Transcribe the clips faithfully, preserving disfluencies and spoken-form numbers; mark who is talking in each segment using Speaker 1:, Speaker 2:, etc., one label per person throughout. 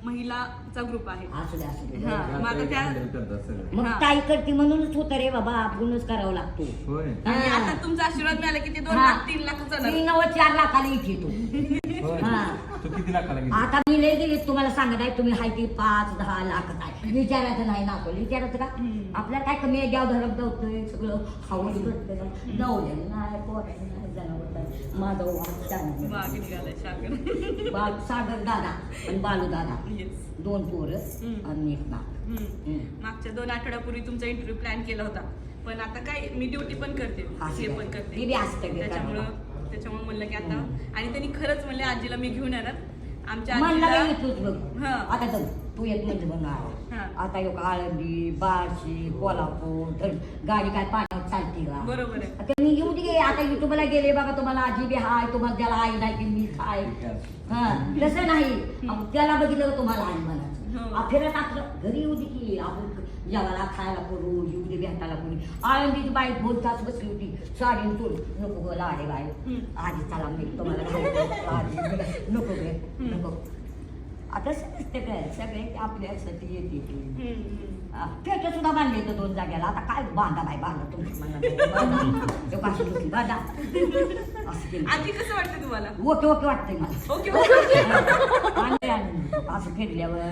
Speaker 1: महिलाचा group आहे.
Speaker 2: असू दे असू दे.
Speaker 1: हा, मग आता त्या
Speaker 2: मग ताई करते म्हणूनच होतं रे बाबा, आपणच करावं लागतो.
Speaker 3: होय.
Speaker 1: आणि
Speaker 2: हा.
Speaker 1: आता तुमचा आशीर्वाद मिळाला की ते दोन
Speaker 2: हा.
Speaker 1: लाख तीन लाख जाणार.
Speaker 2: मी नव्वद चार लाखाला इथे तो.
Speaker 3: होय.
Speaker 2: हा.
Speaker 3: तू किती लाखाला गेली?
Speaker 2: आता मी लय गेले तुम्हाला सांगत आहे, तुम्ही हाय ती पाच दहा लाख आहे. विचारायचं नाही ना कोणी विचारायचं का? आपल्याला काय कमी आहे, द्याव धरम दवतोय सगळं खाऊन भेटतं. नवल्याने नाही, पोराने नाही, जनावर नाही. माझा वाद चांगला.
Speaker 1: बाग निघालाय सागर.
Speaker 2: बाल सागर दादा आणि बालू दादा,
Speaker 1: येस.
Speaker 2: दोन पोरं
Speaker 1: हम्म.
Speaker 2: आणि एक नाक.
Speaker 1: हम्म.
Speaker 2: हम्म.
Speaker 1: मागच्या दोन आठवड्यापूर्वी तुमचा इंटरव्ह्यू प्लॅन केला होता, पण आता काय मी ड्युटी पण करते, हे पण करते,
Speaker 2: मी बी असते बी
Speaker 1: त्याच्यामुळं
Speaker 2: करायला.
Speaker 1: त्याच्यामुळे म्हणलं की आता, आणि त्यांनी खरंच म्हणले आजीला मी घेऊन येणार. आमच्या
Speaker 2: म्हणला
Speaker 1: आजीला
Speaker 2: बाई येतोच बघ.
Speaker 1: हा.
Speaker 2: आता जाऊ तू येत म्हणजे
Speaker 1: हा.
Speaker 2: म्हणणार. आता एक आळंदी, बार्शी, कोल्हापूर तर गाडी काय पाण्यावर चालते का?
Speaker 1: बरोबर आहे.
Speaker 2: आता मी येऊ दे. आता युट्यूबला गेले बाबा, तुम्हाला आजी बी हाय, तुम्हाला त्याला आई नाही की मी हाय. हा तसं नाही, अहो, त्याला बघितलं का तुम्हाला आई म्हणायचं.
Speaker 1: हो.
Speaker 2: फिरत आपलं घरी येऊ दे की आपण जेवायला खायला करू, येऊ दे भेटायला कोणी. आळंदीची बाई दोन तास बसली होती, साडी सोड नको गो लाडे बाई, आधी चला मी तुम्हाला घालतो. आजी नको गे नको. आता समजते काय सगळे आपल्यासाठी येते. पेट सुद्धा बांधले तर दोन जाग्याला. आता काय बांधा बाई बांधा तुमची म्हणा बांधा असं केलं.
Speaker 1: आजी कसं वाटतं तुम्हाला?
Speaker 2: ओके ओके वाटतंय मला.
Speaker 1: Okay okay.
Speaker 2: आणि आणि असं फिरल्यावर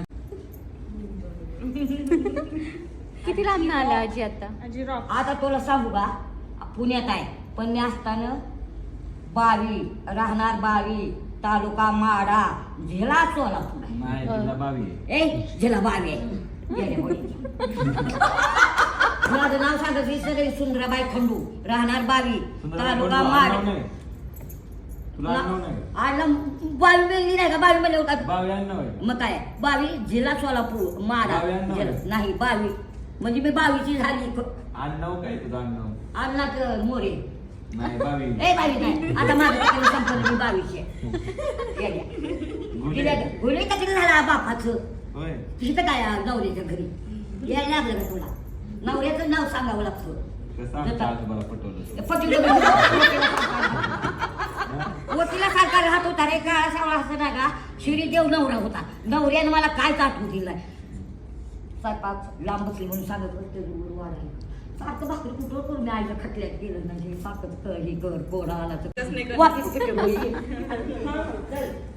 Speaker 4: किती लांब आला आजी आता?
Speaker 1: आजी रॉक.
Speaker 2: आता तुला सांगू का, पुण्यात आहे पण मी असताना बावी राहणार, बावी तालुका माडा, जिल्हा सोलापूर आहे.
Speaker 3: नाही तुला बावी आहे.
Speaker 2: ए जिल्हा बावी आहे. गेल्या माझं नाव सांगायचं सगळे सुंदराबाई खंडू, राहणार बावी तालुका माडा.
Speaker 3: तुला आडनाव नाही?
Speaker 2: आलं बावी मिळली नाही का? बावी मध्ये होता
Speaker 3: बावी आडनाव आहे.
Speaker 2: मग काय बावी जिल्हा सोलापूर माडा
Speaker 3: बावी आडनाव आहे?
Speaker 2: जिल्हा- नाही बावी म्हणजे मी बावीची झाली.
Speaker 3: आडनाव काय तुझं आडनाव?
Speaker 2: अन्नाच मोरे.
Speaker 3: नाही बावी.
Speaker 2: ए बावी नाही, आता माझं तिकडे संपलं, मी बावीची आहे. गेल्या. गेल्या का? गुन्हे का तिकडे झाला बापाचं.
Speaker 3: होय.
Speaker 2: तिथं काय आहे नवऱ्याच्या घरी यायला लागलं का तुला? नवऱ्याचं नाव सांगावं लागतं.
Speaker 3: कसं आमच्या आजोबाला पटवलं?
Speaker 2: पटलं वकिला सारखा राहत होता रे, काळा सावळा असं ना का. श्रीदेव नवरा होता, नवऱ्यानं मला काय आठवू दिलाय. स्वयंपाक लांब बसली म्हणून सांगत बसते वाढायला. सारखं भाकरी कुठं करून मी आईच्या खटल्यात गेलं नाही, सारखं हे कर कोणा आला तर
Speaker 1: तसं नाही करत.
Speaker 2: वापस कुठे